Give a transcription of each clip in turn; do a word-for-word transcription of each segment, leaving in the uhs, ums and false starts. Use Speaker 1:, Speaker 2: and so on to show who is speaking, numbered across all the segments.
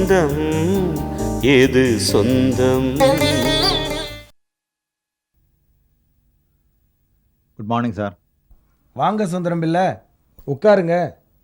Speaker 1: பந்தம் எது சொந்தம்.
Speaker 2: Good morning sir.
Speaker 3: வாங்க சுந்தரம் பிள்ளை, உட்காருங்க.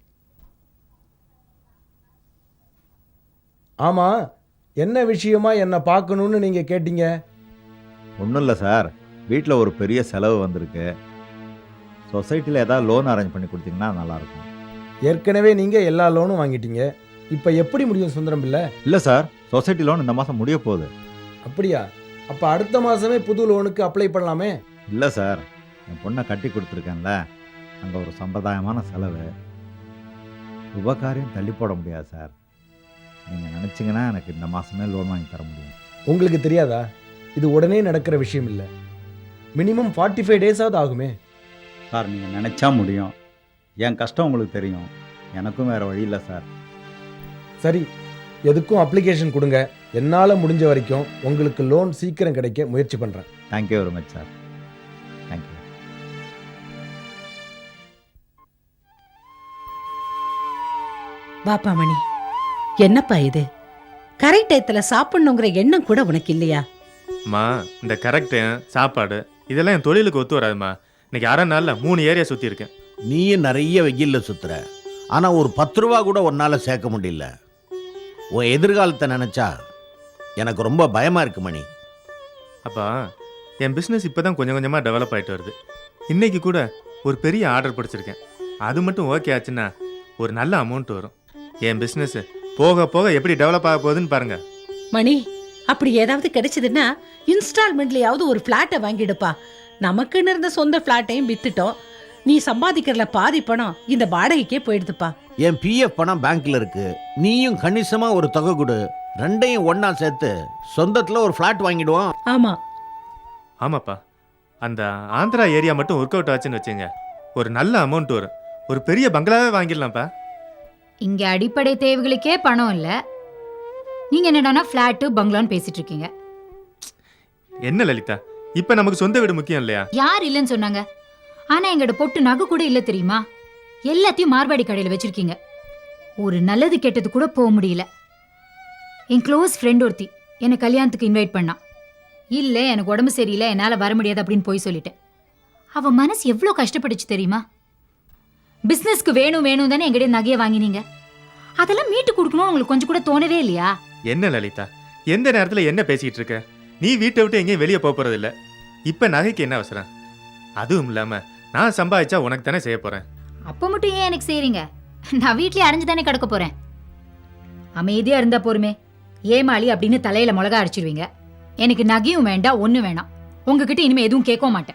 Speaker 3: ஆமாம், என்ன விஷயமா என்னை பார்க்கணுன்னு நீங்கள் கேட்டீங்க?
Speaker 2: ஒன்றும் இல்லை சார், வீட்டில் ஒரு பெரிய செலவு வந்திருக்கு. சொசைட்டியில் ஏதாவது லோன் அரேஞ்ச் பண்ணி கொடுத்தீங்கன்னா நல்லாயிருக்கும்.
Speaker 3: ஏற்கனவே நீங்கள் எல்லா லோனும் வாங்கிட்டீங்க, இப்போ எப்படி முடியும் சுந்தரம் பிள்ளை?
Speaker 2: இல்லை சார், சொசைட்டி லோன் இந்த மாதம் முடிய போகுது.
Speaker 3: அப்படியா? அப்போ அடுத்த மாதமே புது லோனுக்கு அப்ளை பண்ணலாமே?
Speaker 2: இல்லை சார், என் பொண்ணை கட்டி கொடுத்துருக்கேன்ல, அங்கே ஒரு சம்பிரதாயமான செலவு. உபகாரியம் தள்ளி போட முடியாது சார். நீங்கள் நினச்சிங்கன்னா எனக்கு இந்த மாதமே லோன் வாங்கி தர முடியும்.
Speaker 3: உங்களுக்கு தெரியாதா, இது உடனே நடக்கிற விஷயம் இல்லை. மினிமம் ஃபார்ட்டி ஃபைவ் டேஸாவது ஆகுமே.
Speaker 2: சார், நீங்கள் நினச்சா முடியும். என் கஷ்டம் உங்களுக்கு தெரியும், எனக்கும் வேறு வழி இல்லை சார்.
Speaker 3: சரி, எதுக்கும் அப்ளிகேஷன் கொடுங்க. என்னால் முடிஞ்ச வரைக்கும் உங்களுக்கு லோன் சீக்கிரம் கிடைக்க முயற்சி பண்ணுறேன்.
Speaker 2: Thank you very much sir. Thank you.
Speaker 4: பாப்பா மணி, என்னப்பா இது? கரெக்ட் டயத்துல சாப்பிடணுங்கிற எண்ணம் கூட உனக்கு இல்லையா?
Speaker 5: அம்மா, இந்த கரெக்டு சாப்பாடு இதெல்லாம் என் தொழிலுக்கு ஒத்து வராதுமா. இன்னைக்கு அரை நாள்ல மூணு ஏரியா சுற்றி இருக்கேன்.
Speaker 6: நீயும் நிறைய வெயில்ல சுத்துற, ஆனால் ஒரு பத்து ரூபா கூட உன்னால் சேர்க்க முடியல. உன் எதிர்காலத்தை நினச்சா எனக்கு ரொம்ப பயமாக இருக்கு மணி.
Speaker 5: அப்பா, என் பிஸ்னஸ் இப்போ தான் கொஞ்சம் கொஞ்சமாக டெவலப் ஆகிட்டு வருது. இன்னைக்கு கூட ஒரு பெரிய ஆர்டர் பிடிச்சிருக்கேன். அது மட்டும் ஓகே ஆச்சுன்னா ஒரு நல்ல அமௌண்ட் வரும். என் பிஸ்னஸ் போக போக எப்படி டெவலப் ஆக போகுதுன்னு பாருங்க.
Speaker 4: மணி, அப்படி ஏதாவது கிடைச்சதுன்னா இன்ஸ்டால்மெண்ட்லயாவது ஒரு பிளாட்டை வாங்கிடுப்பா. நமக்குன்னு இருந்த சொந்த பிளாட்டையும் வித்துட்டோம். நீ சம்பாதிக்கிறல பாதி பணம் இந்த வாடகைக்கே போயிடுதுப்பா.
Speaker 6: என் பிஎஃப் பணம் பேங்க்ல இருக்கு, நீயும் கணிசமா ஒரு தொகை கொடு, ரெண்டையும் ஒன்னா சேர்த்து சொந்தத்துல ஒரு பிளாட் வாங்கிடுவோம்.
Speaker 4: ஆமா
Speaker 5: ஆமாப்பா, அந்த ஆந்திரா ஏரியா மட்டும் ஒர்க் அவுட் ஆச்சுன்னு வச்சுங்க, ஒரு நல்ல அமௌண்ட் வரும். ஒரு பெரிய பங்களாவே வாங்கிடலாம்ப்பா.
Speaker 7: இங்க அடிப்படை தேவைகளுக்கே பணம் இல்ல, நீங்க என்னடானா பிளாட் பங்களான்னு பேசிட்டு இருக்கீங்க.
Speaker 5: என்ன லலிதா, இப்ப நமக்கு சொந்த வீடு முக்கியம் இல்லையா?
Speaker 7: யார் இல்லைன்னு சொன்னாங்க? ஆனா எங்கட பொட்டு நகை கூட இல்ல தெரியுமா? எல்லாத்தையும் மார்வாடி கடையில வச்சிருக்கீங்க. ஒரு நல்லது கெட்டது கூட போக முடியல. என் க்ளோஸ் ஃப்ரெண்ட் ஒருத்தி என்னை கல்யாணத்துக்கு இன்வைட் பண்ணான். இல்ல, எனக்கு உடம்பு சரியில்லை, என்னால வர முடியாது அப்படின்னு போய் சொல்லிட்டேன். அவ மனசு எவ்வளவு கஷ்டப்பட்டுச்சு தெரியுமா? பிசினஸ்க்கு வேணும் வேணும் தானே எங்கிட்ட நகையை வாங்கினீங்க. அதெல்லாம் மீட்டு கொடுக்கணும் உங்களுக்கு கொஞ்சம் கூட தோணவே இல்லையா?
Speaker 5: என்ன லலிதா, எந்த நேரத்துல என்ன பேசிட்டு இருக்க? நீ வீட்டை விட்டு எங்கேயும் வெளியே போக போறது இல்ல. இப்ப நகைக்கு என்ன அவசரம்? அதுவும் இல்லாம நான் சம்பாதிச்சா உனக்கு தானே செய்ய போறேன்.
Speaker 7: அப்ப மட்டும் ஏன் எனக்கு செய்றீங்க? நான் வீட்லயே அரைஞ்சு தானே கிடக்க போறேன். அமைதியா இருந்தா போருமே. ஏமாளி அப்படின்னு தலையில மிளகா அடிச்சிருவீங்க. எனக்கு நகையும் வேண்டாம், ஒண்ணு வேணாம். உங்ககிட்ட இனிமே எதுவும் கேட்க மாட்டேன்.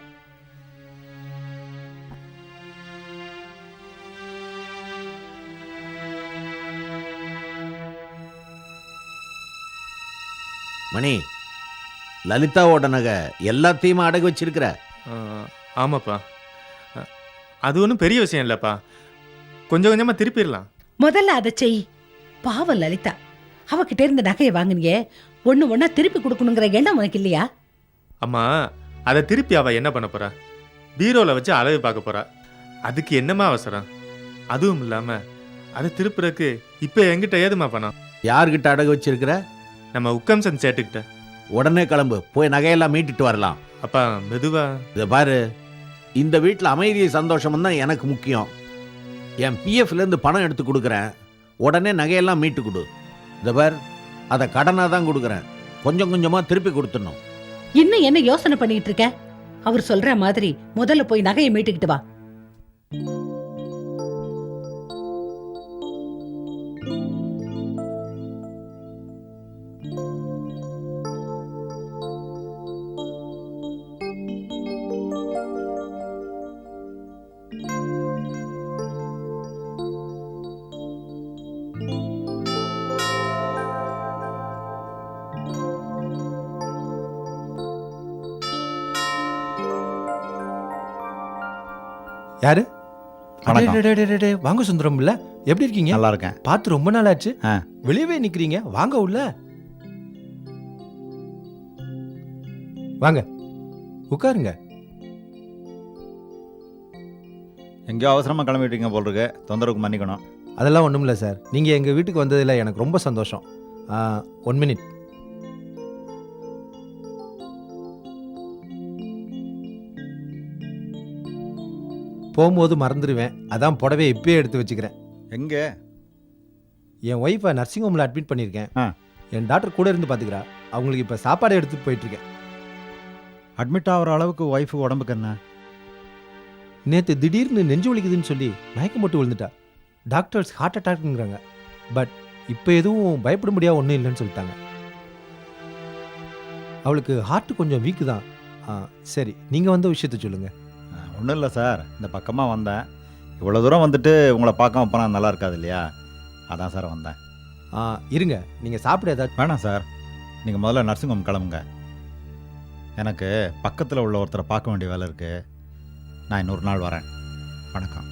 Speaker 6: மணி, லலிதாவோட நகை எல்லாத்தையுமே அடகு வச்சிருக்கிற?
Speaker 5: ஆமாப்பா, அது ஒன்றும் பெரிய விஷயம் இல்லப்பா. கொஞ்சம் கொஞ்சமா திருப்பிடலாம்.
Speaker 4: முதல்ல அதை செய். பாவம் லலிதா, அவகிட்ட இருந்த நகையை வாங்கினியே, ஒண்ணு ஒன்னா திருப்பி கொடுக்கணுங்கிற எண்ணம் உனக்கு இல்லையா?
Speaker 5: அம்மா, அதை திருப்பி அவ என்ன பண்ண போறா? பீரோல வச்சு அளவு பார்க்க போறா. அதுக்கு என்னமா அவசரம்? அதுவும் இல்லாம அதை திருப்புறக்கு இப்ப என்கிட்ட ஏதுமா பணம்?
Speaker 6: யார்கிட்ட அடகு வச்சிருக்கிற?
Speaker 5: நம்ம உக்கம்சன் சேட்டுக்கிட்ட.
Speaker 6: உடனே கிளம்பு, போய் நகையெல்லாம் மீட்டுட்டு வரலாம்.
Speaker 5: அப்பா மெதுவா.
Speaker 6: இதை பாரு, இந்த வீட்டில் அமைதி சந்தோஷம் தான் எனக்கு முக்கியம். என் பிஎஃப்ல இருந்து பணம் எடுத்து கொடுக்குறேன், உடனே நகையெல்லாம் மீட்டு கொடு. இதை பார், அதை கடனாக தான் கொடுக்குறேன், கொஞ்சம் கொஞ்சமா திருப்பி கொடுத்துடணும்.
Speaker 4: இன்னும் என்ன யோசனை பண்ணிட்டு இருக்க? அவர் சொல்ற மாதிரி முதல்ல போய் நகையை மீட்டுக்கிட்டு வா.
Speaker 8: யாரு?
Speaker 2: வணக்கம்.
Speaker 8: டே, டே, டே, டே, வாங்க சுந்தரம் இல்ல, எப்படி இருக்கீங்க?
Speaker 2: நல்லா இருக்கேன்.
Speaker 8: பார்த்து ரொம்ப நாள் ஆச்சு.
Speaker 2: ஆ.
Speaker 8: வெளியவே நிக்கிறீங்க, வாங்க உள்ள வாங்க, உட்காருங்க.
Speaker 2: எங்கேயோ அவசரமா கிளம்பிட்டீங்க போல் இருக்கு, தொந்தரவுக்கு மன்னிக்கணும்.
Speaker 8: அதெல்லாம் ஒண்ணும் இல்லை சார், நீங்க எங்க வீட்டுக்கு வந்ததில் எனக்கு ரொம்ப சந்தோஷம். One minute. போகும்போது மறந்துடுவேன், அதான் புடவை இப்பயே எடுத்து வச்சுக்கிறேன்.
Speaker 2: எங்கே?
Speaker 8: என் ஒய்ஃபை நர்சிங் ஹோமில் அட்மிட் பண்ணியிருக்கேன்.
Speaker 2: ஆ.
Speaker 8: என் டாக்டர் கூட இருந்து பார்த்துக்கிறா. அவங்களுக்கு இப்போ சாப்பாடு எடுத்துகிட்டு போயிட்டுருக்கேன்.
Speaker 2: அட்மிட் ஆகிற அளவுக்கு ஒய்ஃபு உடம்புக்கு என்ன?
Speaker 8: நேற்று திடீர்னு நெஞ்சு வலிக்குதுன்னு சொல்லி மயக்கம் போட்டு விழுந்துட்டா. Doctors heart அட்டாக்ங்கிறாங்க. பட் இப்போ எதுவும் பயப்பட முடியாது, ஒன்றும் இல்லைன்னு சொல்லிட்டாங்க. அவளுக்கு ஹார்ட் கொஞ்சம் வீக்கு தான். ஆ, சரி, நீங்கள் வந்த விஷயத்த சொல்லுங்கள்.
Speaker 2: ஒன்றும் இல்லை சார், இந்த பக்கமாக வந்தேன். இவ்வளோ தூரம் வந்துட்டு உங்களை பார்க்காம போனால் நல்லா இருக்காது இல்லையா? அதான் சார் வந்தேன்.
Speaker 8: ஆ, இருங்க, நீங்கள் சாப்பிட ஏதாச்சும்.
Speaker 2: வேணாம் சார், நீங்கள் முதல்ல நர்சிங் ஹோம் கிளம்புங்க. எனக்கு பக்கத்தில் உள்ள ஒருத்தரை பார்க்க வேண்டிய வேலை இருக்குது. நான் இன்னொரு நாள் வரேன். வணக்கம்.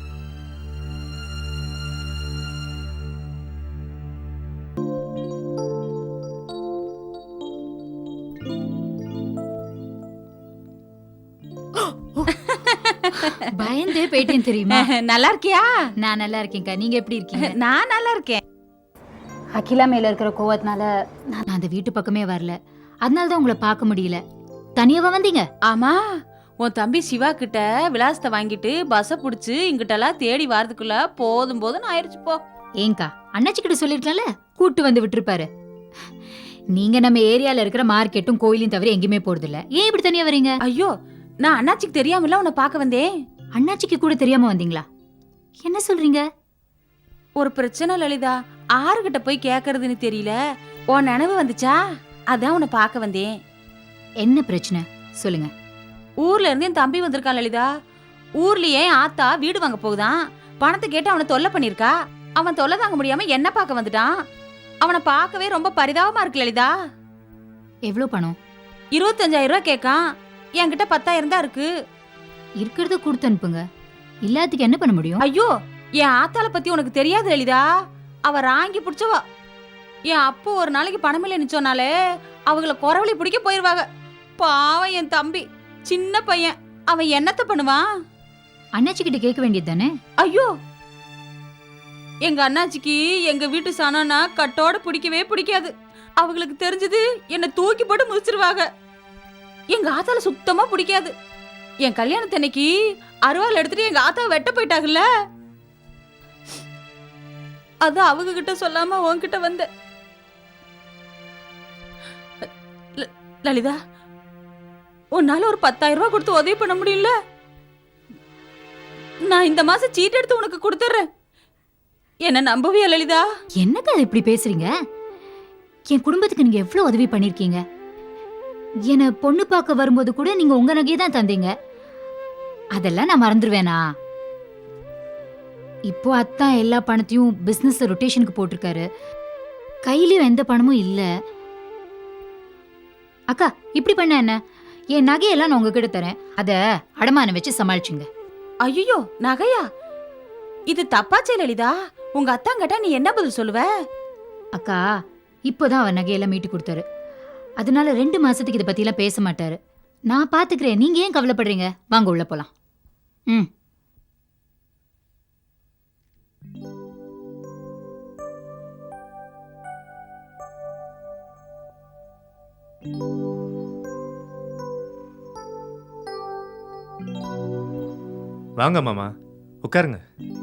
Speaker 7: பயந்தே போயிட்டேன் தெரியுமா?
Speaker 9: நல்லா இருக்கியா?
Speaker 7: நான் நல்லா இருக்கேன்க்கா, நீங்க எப்படி இருக்கீங்க?
Speaker 9: நான் நல்லா இருக்கேன்.
Speaker 7: அகிலா மேல இருக்கிற கோவத்தினால நான் அந்த வீட்டு பக்கமே வரல. அதனால தான் உங்களை பார்க்க முடியல. தனியாவா வந்தீங்க?
Speaker 9: ஆமா, உன் தம்பி சிவா கிட்ட விலாசத்தை வாங்கிட்டு பஸ்ஸ புடிச்சு இங்கிட்டெல்லாம் தேடி வரதுக்குள்ள போதும் போதும் ஆயிடுச்சு போ.
Speaker 7: ஏங்கா, அண்ணாச்சி கிட்ட சொல்லிருக்கலாம்ல, கூட்டு வந்து விட்டுருப்பாரு. நீங்க நம்ம ஏரியால இருக்கிற மார்க்கெட்டும் கோயிலையும் தவிர எங்கேயுமே போறது இல்ல. ஏன் இப்படி தனியா வரீங்க?
Speaker 9: ஐயோ, நான் அண்ணாச்சிக்கு தெரியாமல உன்னை பார்க்க வந்தேன்.
Speaker 7: அண்ணாச்சிக்கு கூட தெரியாம வந்தீங்களா? என்ன சொல்றீங்க?
Speaker 9: ஒரு பிரச்சனை லலிதா, ஆறுகிட்ட போய் கேக்குறதுன்னு தெரியல. உன் நினைவு வந்துச்சா, அதான் உன்னை பார்க்க வந்தேன்.
Speaker 7: என்ன பிரச்சனை சொல்லுங்க.
Speaker 9: ஊர்ல இருந்து என் தம்பி வந்திருக்கான் லலிதா. ஊர்லயே ஆத்தா வீடு வாங்க போகுதான். பணத்தை கேட்டு அவனை தொல்லை பண்ணிருக்கா. அவன் தொல்லை தாங்க முடியாம என்ன பார்க்க வந்துட்டான். அவனை பார்க்கவே ரொம்ப பரிதாபமா இருக்கு லலிதா.
Speaker 7: எவ்வளவு பணம்?
Speaker 9: இருபத்தஞ்சாயிரம் ரூபாய் கேட்கான். என்கிட்ட பத்தாயிரம் தான் இருக்கு.
Speaker 7: இருக்கிறத கொடுத்து அனுப்புங்க. இல்லாததுக்கு என்ன பண்ண முடியும்?
Speaker 9: ஐயோ, என் ஆத்தால பத்தி உனக்கு தெரியாது லலிதா. அவ ராங்கி பிடிச்சவா. என் அப்போ ஒரு நாளைக்கு பணம் இல்லை நிச்சோனாலே அவங்கள குறவழி பிடிக்க போயிருவாங்க. பாவம் என் தம்பி, சின்ன பையன், அவன் என்னத்த பண்ணுவான்?
Speaker 7: அண்ணாச்சி கிட்ட கேட்க வேண்டியது தானே?
Speaker 9: ஐயோ, எங்க அண்ணாச்சிக்கு எங்க வீட்டு சாணம்னா கட்டோட பிடிக்கவே பிடிக்காது. அவங்களுக்கு தெரிஞ்சது என்ன தூக்கி போட்டு முடிச்சிருவாங்க. எங்க ஆத்தால சுத்தமா பிடிக்காது. என் கல்யாணத்தன்னைக்கு அருவாள் எடுத்துட்டு எங்க ஆத்தாவை வெட்ட போயிட்டாங்கல்ல, அது அவங்க கிட்ட சொல்லாம உன்கிட்ட வந்த. லலிதா, உன்னால ஒரு பத்தாயிரம் ரூபாய் கொடுத்து உதவி பண்ண முடியல? நான் இந்த மாசம் சீட் எடுத்து உனக்கு கொடுத்துறேன். என்ன நம்பவே லலிதா?
Speaker 7: என்னக்கா இப்படி பேசுறீங்க? என் குடும்பத்துக்கு நீங்க எவ்வளவு உதவி பண்ணிருக்கீங்க. என்ன பொண்ணு பார்க்க வரும்போது கூட நீங்க உங்க நகையை தான் தந்தீங்க. அதெல்லாம் நான் மறந்துடுவேனா? இப்போ அத்தான் எல்லா பணத்தையும் பிசினஸ் ரொட்டேஷனுக்கு போட்டிருக்காரு. கையிலயும் எந்த பணமும் இல்ல. அக்கா, இப்படி பண்ண என்ன? என் நகையெல்லாம் நான் உங்ககிட்ட தரேன், அத அடமானம் வச்சு சமாளிச்சுங்க.
Speaker 9: ஐயோ, நகையா? இது தப்பாச்சே லலிதா. உங்க அத்தாங்கிட்ட நீ என்ன பதில் சொல்லுவ?
Speaker 7: அக்கா, இப்போதான் அவர் நகையெல்லாம் மீட்டு கொடுத்தாரு. அதனால ரெண்டு மாசத்துக்கு இதை பத்தி எல்லாம் பேச மாட்டாரு. நான் பாத்துக்கிறேன், நீங்க ஏன் கவலைப்படுறீங்க? வாங்க உள்ள போலாம். ம்.
Speaker 5: வாங்க மாமா, உட்காருங்க.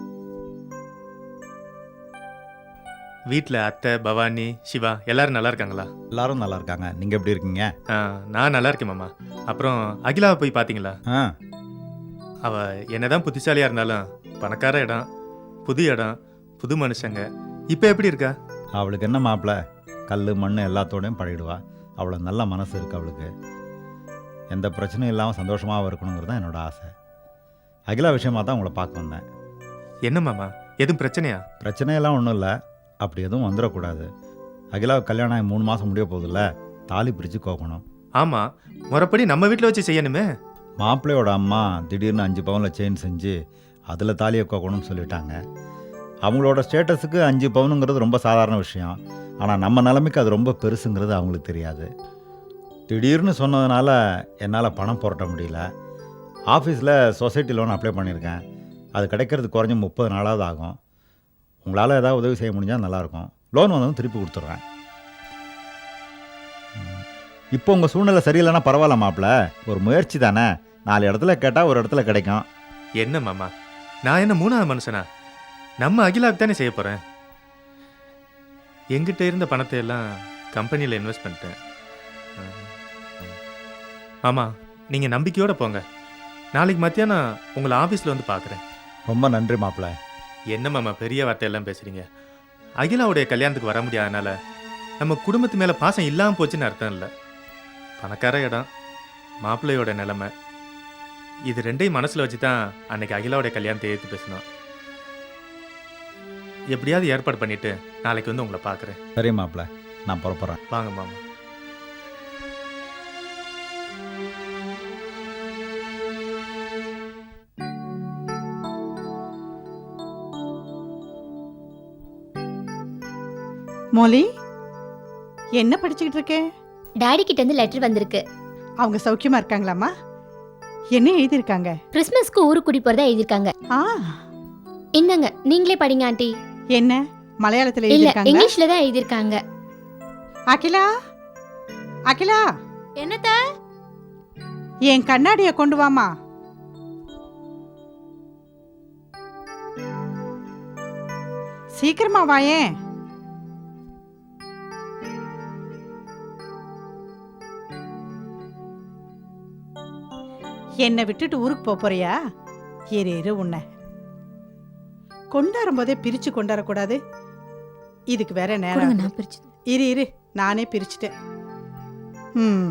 Speaker 5: வீட்டில் அத்தை, பவானி, சிவா எல்லாரும் நல்லா இருக்காங்களா?
Speaker 2: எல்லாரும் நல்லா இருக்காங்க. நீங்கள் எப்படி இருக்கீங்க?
Speaker 5: ஆ, நான் நல்லா இருக்கேன் மாமா. அப்புறம் அகிலாவை போய் பார்த்தீங்களா?
Speaker 2: ஆ,
Speaker 5: அவள் என்னதான் புத்திசாலியாக இருந்தாலும் பணக்கார இடம், புது இடம், புது மனுஷங்க. இப்போ எப்படி இருக்கா?
Speaker 2: அவளுக்கு என்ன மாப்பிள்ள, கல் மண் எல்லாத்தோடையும் பழகிடுவா. அவ்வளோ நல்ல மனசு இருக்குது அவளுக்கு. எந்த பிரச்சனையும் இல்லாமல் சந்தோஷமாக இருக்கணுங்கிறது தான் என்னோட ஆசை. அகிலா விஷயமாக தான் உங்களை பார்க்க வந்தேன்.
Speaker 5: என்ன மாமா, எதுவும் பிரச்சனையா?
Speaker 2: பிரச்சனையெல்லாம் ஒன்றும் இல்லை, அப்படி எதுவும் வந்துடக்கூடாது. அகிலாவுக்கு கல்யாணம் ஆகி மூணு மாதம் முடிய போதில்ல, தாலி பிரித்து கோக்கணும்.
Speaker 5: ஆமாம், முறைப்படி நம்ம வீட்டில் வச்சு செய்யணுமே.
Speaker 2: மாப்பிள்ளையோட அம்மா திடீர்னு அஞ்சு பவுனில் செயின் செஞ்சு அதில் தாலியை கோக்கணும்னு சொல்லிட்டாங்க. அவங்களோட ஸ்டேட்டஸுக்கு அஞ்சு பவுனுங்கிறது ரொம்ப சாதாரண விஷயம். ஆனால் நம்ம நிலைமைக்கு அது ரொம்ப பெருசுங்கிறது அவங்களுக்கு தெரியாது. திடீர்னு சொன்னதுனால என்னால் பணம் புரட்ட முடியல. ஆஃபீஸில் சொசைட்டி லோன் அப்ளை பண்ணியிருக்கேன். அது கிடைக்கிறது குறைஞ்ச முப்பது நாளாவது ஆகும். உங்களால் ஏதாவது உதவி செய்ய முடிஞ்சால் நல்லாயிருக்கும். லோன் வந்ததும் திருப்பி கொடுத்துட்றேன். இப்போ உங்கள் சூழ்நிலை சரியில்லைன்னா பரவாயில்ல மாப்பிள்ள, ஒரு முயற்சி தானே, நாலு இடத்துல கேட்டால் ஒரு இடத்துல கிடைக்கும்.
Speaker 5: என்ன மாமா, நான் என்ன மூணாவது மனுஷனா? நம்ம அகிலாவுக்கு தானே செய்ய போகிறேன். எங்கிட்ட இருந்த பணத்தை எல்லாம் கம்பெனியில் இன்வெஸ்ட் பண்ணிட்டேன். மாமா, நீங்கள் நம்பிக்கையோடு போங்க. நாளைக்கு மத்தியானம் உங்களை ஆஃபீஸில் வந்து பார்க்குறேன்.
Speaker 2: ரொம்ப நன்றி மாப்பிள்ள.
Speaker 5: என்ன மாமா பெரிய வார்த்தையெல்லாம் பேசுகிறீங்க? அகிலாவுடைய கல்யாணத்துக்கு வர முடியாதனால நம்ம குடும்பத்து மேலே பாசம் இல்லாமல் போச்சுன்னு அர்த்தம் இல்லை. பணக்கார இடம், மாப்பிள்ளையோட நிலைமை, இது ரெண்டையும் மனசில் வச்சு தான் அன்னைக்கு அகிலாவுடைய கல்யாணத்தை ஏற்று பேசணும். எப்படியாவது ஏற்பாடு பண்ணிட்டு நாளைக்கு வந்து உங்களை பார்க்குறேன்.
Speaker 2: சரி மாப்பிள்ள, நான் புறப்படுறேன்.
Speaker 5: வாங்க மாமா.
Speaker 10: மோலி, என்ன படிச்சுக்கிட்டு இருக்க?
Speaker 11: டாடி கிட்ட இருந்து லெட்டர் வந்திருக்கு.
Speaker 10: அவங்க சௌக்கியமா இருக்காங்களாமா? என்ன எழுதியிருக்காங்க?
Speaker 11: கிறிஸ்மஸ்க்கு ஊருக்கு கூட்டி போறதா எழுதிருக்காங்க.
Speaker 10: ஆ,
Speaker 11: என்னங்க நீங்களே படிங்க ஆண்டி.
Speaker 10: என்ன மலையாளத்துல
Speaker 11: இல்ல,
Speaker 10: எழுதியிருக்காங்க?
Speaker 11: இங்கிலீஷ்ல தான் எழுதிருக்காங்க.
Speaker 10: அகிலா, அகிலா,
Speaker 11: என்னத்த?
Speaker 10: என் கண்ணாடிய கொண்டு வாமா. சீக்கிரமா வாயேன். என்னை விட்டுட்டு ஊருக்கு போப் போறியா? ஏறு ஏறு, உன்னை கொண்டாடும் போதே பிரிச்சு கொண்டாடக்கூடாது. இதுக்கு வேற நேரம்.
Speaker 11: நான் பிரிச்சு
Speaker 10: இரு இரு, நானே பிரிச்சுட்டேன். ம்,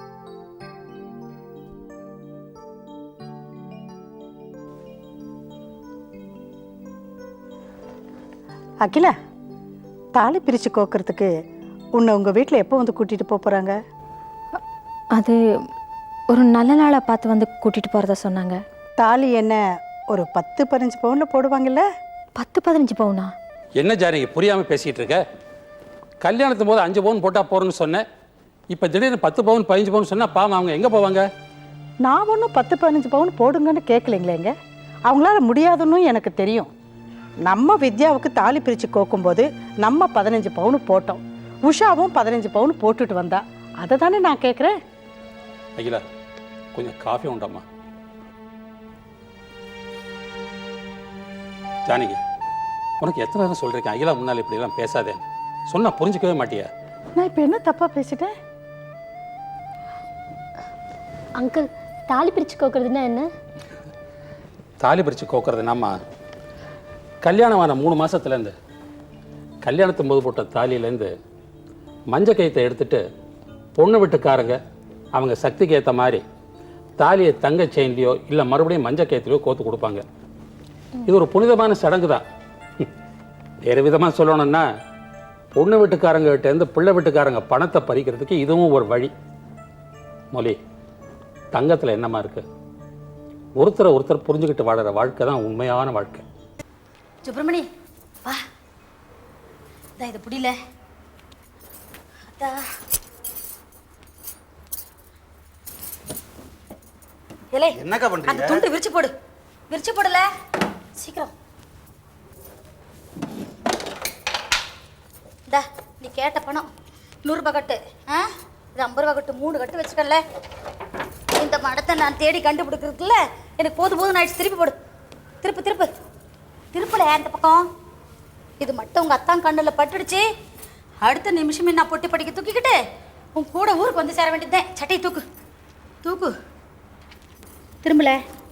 Speaker 10: அகிலா, தாலி பிரிச்சு கோக்கிறதுக்கு உன்னை உங்க வீட்டில் எப்போ வந்து கூட்டிட்டு போப் போறாங்க?
Speaker 11: அது ஒரு நல்ல நாளா பார்த்து வந்து கூட்டிட்டு போறதா சொன்னாங்க.
Speaker 10: தாலி என்ன ஒரு பத்து பதினஞ்சு பவுன்ல போடுவாங்கல்ல?
Speaker 11: பத்து பதினஞ்சு பவுனா?
Speaker 12: என்ன ஜானகி புரியாமல் பேசிகிட்டு இருக்க? கல்யாணத்தும் போது அஞ்சு பவுன் போட்டால் போகிறோன்னு சொன்னேன். இப்போ திடீர்னு பத்து பவுன் பதினஞ்சு பவுன் சொன்னால் பாவம் அவங்க எங்கே போவாங்க?
Speaker 10: நான் ஒன்றும் பத்து பதினஞ்சு பவுன் போடுங்கன்னு கேட்கலைங்களேங்க. அவங்களால முடியாதுன்னு எனக்கு தெரியும். நம்ம வித்யாவுக்கு தாலி பிரித்து கோக்கும்போது நம்ம பதினஞ்சு பவுன் போட்டோம். உஷாவும் பதினஞ்சு பவுன் போட்டுட்டு வந்தா. அதை தானே நான் கேட்குறேன்.
Speaker 12: அகிலா, கொஞ்சம் காஃபி உண்டாம்மா. ஜானகி, உனக்கு எத்தனை நேரம் சொல்கிறேன் அகிலா முன்னால் இப்படியெல்லாம் பேசாதேன்னு. சொன்னால் புரிஞ்சிக்கவே மாட்டியா?
Speaker 10: நான் இப்போ என்ன தப்பாக பேசிட்டேன்?
Speaker 11: அங்கிள், தாலி பிரிச்சு கோக்குறதுன்னா என்ன?
Speaker 12: தாலி பிரித்து கோக்குறதுனாம்மா, கல்யாணமான மூணு மாதத்துலேருந்து கல்யாணத்தும் போது போட்ட தாலியிலேருந்து மஞ்சள் கயித்தை எடுத்துட்டு பொண்ணு வீட்டுக்காரங்க அவங்க சக்திக்கு ஏற்ற மாதிரி தாலியை தங்க செயின்லையோ இல்லை மறுபடியும் மஞ்சள் கயிற்றுலையோ கோத்து கொடுப்பாங்க. இது ஒரு புனிதமான சடங்கு தான். வேறு விதமாக சொல்லணும்னா பொண்ணு வீட்டுக்காரங்கிட்டேருந்து பிள்ளை வீட்டுக்காரங்க பணத்தை பறிக்கிறதுக்கு இதுவும் ஒரு வழி. மொழி, தங்கத்தில் என்னமா இருக்கு? ஒருத்தரை ஒருத்தர் புரிஞ்சுக்கிட்டு வாழற வாழ்க்கை தான் உண்மையான வாழ்க்கை.
Speaker 11: சுப்பிரமணி, வா. இதா இது புடியல. அத்தா. ஏலே,
Speaker 13: என்னக்கா பண்றீங்க?
Speaker 11: அந்த துண்டு விரிச்சு போடு. விரிச்சு போடல. சீக்கிரம். டா, நீ கேட்ட பணம் நூறு ரூபாய் கட்டு. ஆ? இது ஐம்பது ரூபாய் கட்டு. மூணு கட்டு வச்சுக்கல. இந்த மடத்தை நான் தேடி கண்டுபிடிக்கிறதுக்குள்ள எனக்கு போது போதும் ஆயிடுச்சு. திருப்பி போடு. திருப்பு திருப்பு. திருப்பல அந்த பக்கம். இது மட்டும் உங்கள் அத்தான் கண்ணில் பட்டுடுச்சு. அடுத்த நிமிஷமே நான் பொட்டி படிக்க தூக்கிக்கிட்டு உன் கூட ஊருக்கு வந்து சேர வேண்டியதுதான். சட்டையை தூக்கு தூக்கு. திரும்பல.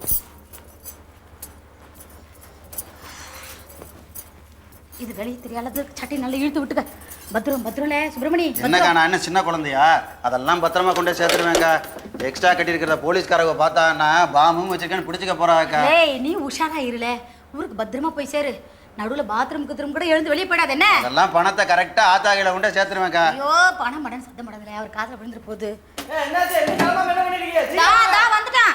Speaker 11: இது வெளியே தெரியாதது. சட்டை நல்லா இழுத்து விட்டுக்க. பத்திரம் பத்திரம்ல சுப்பிரமணி.
Speaker 13: என்னக்கா, நான் என்ன சின்ன குழந்தையா? அதெல்லாம் பத்திரமா கொண்டே சேர்த்துருவேங்க்கா. எக்ஸ்ட்ரா கட்டியிருக்கிறத போலீஸ்காரங்க பார்த்தா நான் பாம்பும் வச்சிருக்கேன்னு பிடிச்சிக்க போறாக்கா.
Speaker 11: ஏய், நீ உஷாரா இருல. ஊருக்கு பத்திரமா போய் சேரு. நடுவில் பாத்ரூம் குத்ரூம் கூட எழுந்து வெளியே போயிடாது. என்ன
Speaker 13: அதெல்லாம் பணத்தை கரெக்டா ஆத்தாகையில கொண்டே சேர்த்துருவேங்க்கா.
Speaker 11: ஐயோ, பணம் மடன் சத்தம் படாதுல. அவர் காதுல விழுந்துட்டு போகுது. வந்துட்டான்.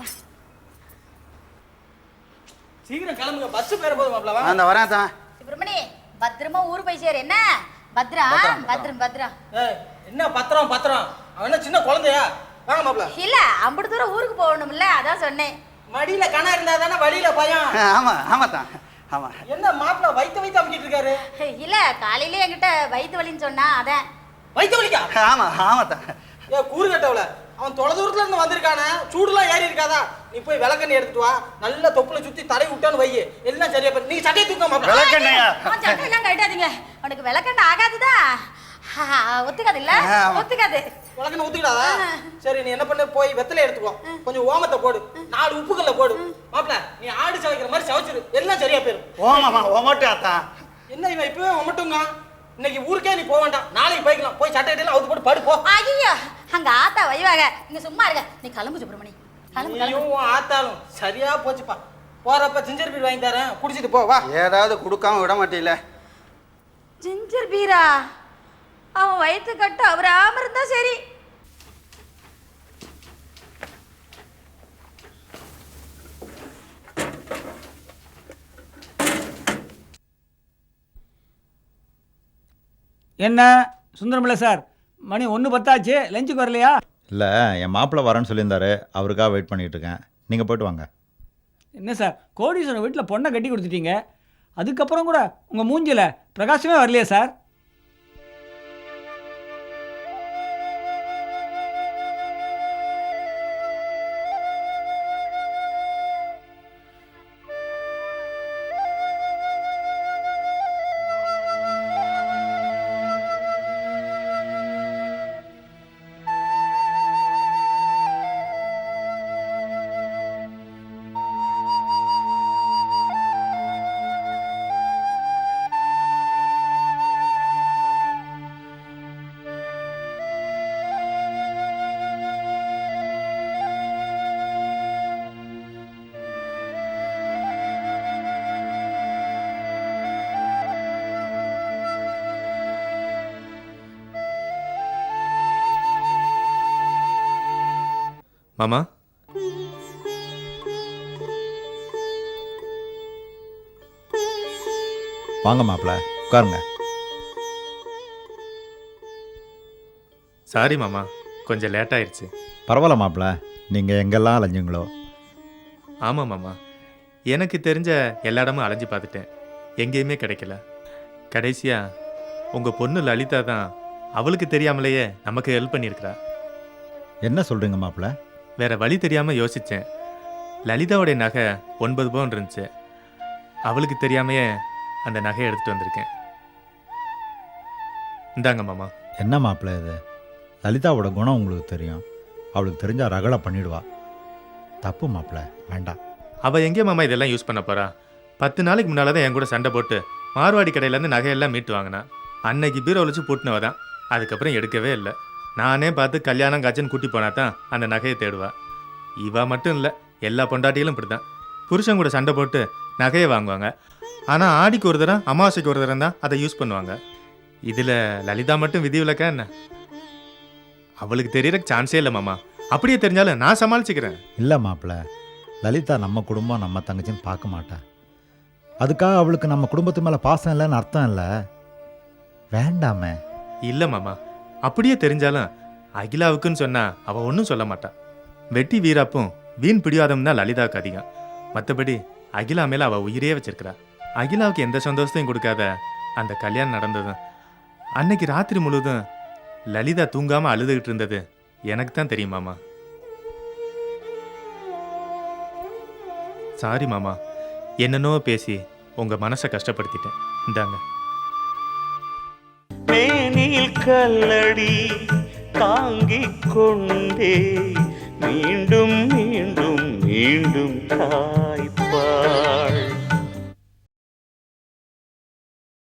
Speaker 13: சீக்கிரம் கிளம்புங்க, பஸ் பேர போதும் மாப்ள. வா, அந்த வரேன் தான்.
Speaker 11: சுப்பிரமணி, பத்திரமா ஊர் போய் சேரு. என்ன பத்ரா? பத்திரம் பத்ரா.
Speaker 13: என்ன பத்திரம் பத்திரம்? அவன் என்ன சின்ன குழந்தையா? வாங்க மாப்ள.
Speaker 11: இல்ல, அம்பது தூரம் ஊருக்கு போகணும்ல, அதான் சொன்னேன்.
Speaker 13: மடியில கணா இருந்தா தானே வழியில பயம். ஆமா ஆமா தான். ஆமா. என்ன மாப்ள வைத்த வைத்த அமிக்கிட்டு இருக்காரு?
Speaker 11: இல்ல, காலையில என்கிட்ட வயித்து வலின்னு சொன்னா அதான்.
Speaker 13: வைத்த வலிக்கா? ஆமா ஆமா தான்.
Speaker 14: ஏ கூறு கட்டவல, அவன் தொலை தூரத்துல இருந்து வந்திருக்கானே, சூடுலாம் ஏறி இருக்காதா? நீ போய் விளக்கெண்ணெய் எடுத்துட்டு வா, நல்ல தொப்புல சுத்தி தடை விட்டான்னு வை, எல்லாம் சரியா போயிடும். நீங்க சட்டையை தூக்க மாட்டேன்.
Speaker 11: விளக்கெண்ணெயா? சட்டையெல்லாம் கட்டாதீங்க, உனக்கு விளக்கெண்ணெய் ஆகாதுதா, ஒத்துக்காது இல்ல, ஒத்துக்காது.
Speaker 14: விளக்கெண்ணெய் ஒத்துக்கிடாதா? சரி, நீ என்ன பண்ணு, போய் வெத்தலை எடுத்துக்கோ, கொஞ்சம் ஓமத்தை போடு, நாலு உப்புக்கல்ல போடு. மாப்பிள்ள, நீ ஆடு சவைக்கிற மாதிரி சவைச்சிரு, எல்லாம் சரியா போயிடும்.
Speaker 13: ஓமாமா ஓமட்டாத்தா.
Speaker 14: என்ன இவன் இப்பவே ஒமட்டுங்க? இன்னைக்கு ஊருக்கே நீ போக வேண்டாம், நாளைக்கு போய்க்கலாம். போய் சட்டை எல்லாம் அவுத்து போட்டு படு போ.
Speaker 11: ஐயோ, அங்க ஆத்தா வைவாக, நீங்க சும்மா இருங்க. நீ கிளம்பு சுப்பிரமணி, கிளம்பு கிளம்பு.
Speaker 14: நீயும் ஆத்தாலும் சரியா போச்சுப்பா. போறப்ப ஜிஞ்சர் பீர் வாங்கி தரேன், குடிச்சிட்டு போ. வா.
Speaker 13: ஏதாவது கொடுக்காம விட மாட்டீல.
Speaker 11: ஜிஞ்சர் பீரா? அவன் வயிற்று கட்டு அவராம இருந்தா சரி.
Speaker 15: என்ன சுந்தரமில்ல சார், மணி ஒன்று பத்தாச்சு, லஞ்சுக்கு வரலையா?
Speaker 2: இல்லை, என் மாப்பிள்ளை வரேன்னு சொல்லியிருந்தாரு, அவருக்காக வெயிட் பண்ணிகிட்டு இருக்கேன். நீங்கள் போய்ட்டு வாங்க.
Speaker 15: என்ன சார், கோடீஸ்வரன் வீட்டில் பொண்ணை கட்டி கொடுத்துட்டீங்க, அதுக்கப்புறம் கூட உங்கள் மூஞ்சில் பிரகாசமே வரலையா சார்?
Speaker 5: மாமா,
Speaker 2: வாங்க மாப்பிள்ளை, உட்காருங்க.
Speaker 5: சாரி மாமா, கொஞ்சம் லேட் ஆயிடுச்சு.
Speaker 2: பரவாயில்ல மாப்பிள்ளை, நீங்கள் எங்கெல்லாம் அலைஞ்சிங்களோ.
Speaker 5: ஆமாம் மாமா, எனக்கு தெரிஞ்ச எல்லா இடமும் அலைஞ்சு பார்த்துட்டேன், எங்கேயுமே கிடைக்கல. கடைசியாக உங்கள் பொண்ணு லலிதா தான் அவளுக்கு தெரியாமலேயே நமக்கு ஹெல்ப் பண்ணியிருக்கிறா.
Speaker 2: என்ன சொல்கிறீங்க மாப்பிள்ளை?
Speaker 5: வேற வழி தெரியாமல் யோசித்தேன். லலிதாவுடைய நகை ஒன்பது பவுன் இருந்துச்சு, அவளுக்கு தெரியாமையே அந்த நகையை எடுத்துகிட்டு வந்திருக்கேன். இந்தாங்க மாமா.
Speaker 2: என்ன மாப்பிள்ளை இது? லலிதாவோட குணம் உங்களுக்கு தெரியும், அவளுக்கு தெரிஞ்சால் ரகலை பண்ணிடுவா. தப்பு மாப்பிள்ளை, வேண்டாம்.
Speaker 5: அவள் எங்கே மாமா இதெல்லாம் யூஸ் பண்ண போறா? பத்து நாளைக்கு முன்னால் தான் என் கூட சண்டை போட்டு மார்வாடி கடையிலேருந்து நகையெல்லாம் மீட்டு வாங்கினா. அன்னைக்கு பீரோ வச்சு பூட்டினவ தான், அதுக்கப்புறம் எடுக்கவே இல்லை. நானே பார்த்து கல்யாணம் காய்ச்சன்னு கூட்டி போனா தான் அந்த நகையை தேடுவா. இவ மட்டும் இல்லை, எல்லா பொண்டாட்டிகளும் இப்படி தான். புருஷன் கூட சண்டை போட்டு நகையை வாங்குவாங்க, ஆனால் ஆடிக்கு ஒரு தரம் அமாவாசைக்கு ஒரு தரம் தான் அதை யூஸ் பண்ணுவாங்க. இதில் லலிதா மட்டும் விதி விலக்கா என்ன? அவளுக்கு தெரியற சான்ஸே இல்லை மாமா. அப்படியே தெரிஞ்சாலும் நான் சமாளிச்சுக்கிறேன்.
Speaker 2: இல்லை மாப்பிள்ளை, லலிதா நம்ம குடும்பம் நம்ம தங்கச்சின்னு பார்க்க மாட்டா. அதுக்காக அவளுக்கு நம்ம குடும்பத்து மேலே பாசம் இல்லைன்னு அர்த்தம் இல்லை. வேண்டாமே.
Speaker 5: இல்லை மாமா, அப்படியே தெரிஞ்சாலும் அகிலாவுக்குன்னு சொன்னா அவள் ஒன்றும் சொல்ல மாட்டா. வெட்டி வீராப்பும் வீண் பிடிவாதம் தான் லலிதாவுக்கு அதிகம். மற்றபடி அகிலா மேலே அவள் உயிரே வச்சிருக்கிறா. அகிலாவுக்கு எந்த சந்தோஷத்தையும் கொடுக்காத அந்த கல்யாணம் நடந்ததும் அன்னைக்கு ராத்திரி முழுவதும் லலிதா தூங்காமல் அழுதுகிட்டு இருந்தது எனக்கு தான் தெரியும் மாமா. சாரி மாமா, என்னன்னோ பேசி உங்கள் மனசை கஷ்டப்படுத்திட்டேன். இந்தாங்க.
Speaker 1: மேனில் கல்லடி தாங்கிக் கொண்டே மீண்டும் மீண்டும் மீண்டும் தாய்ப்பாள்.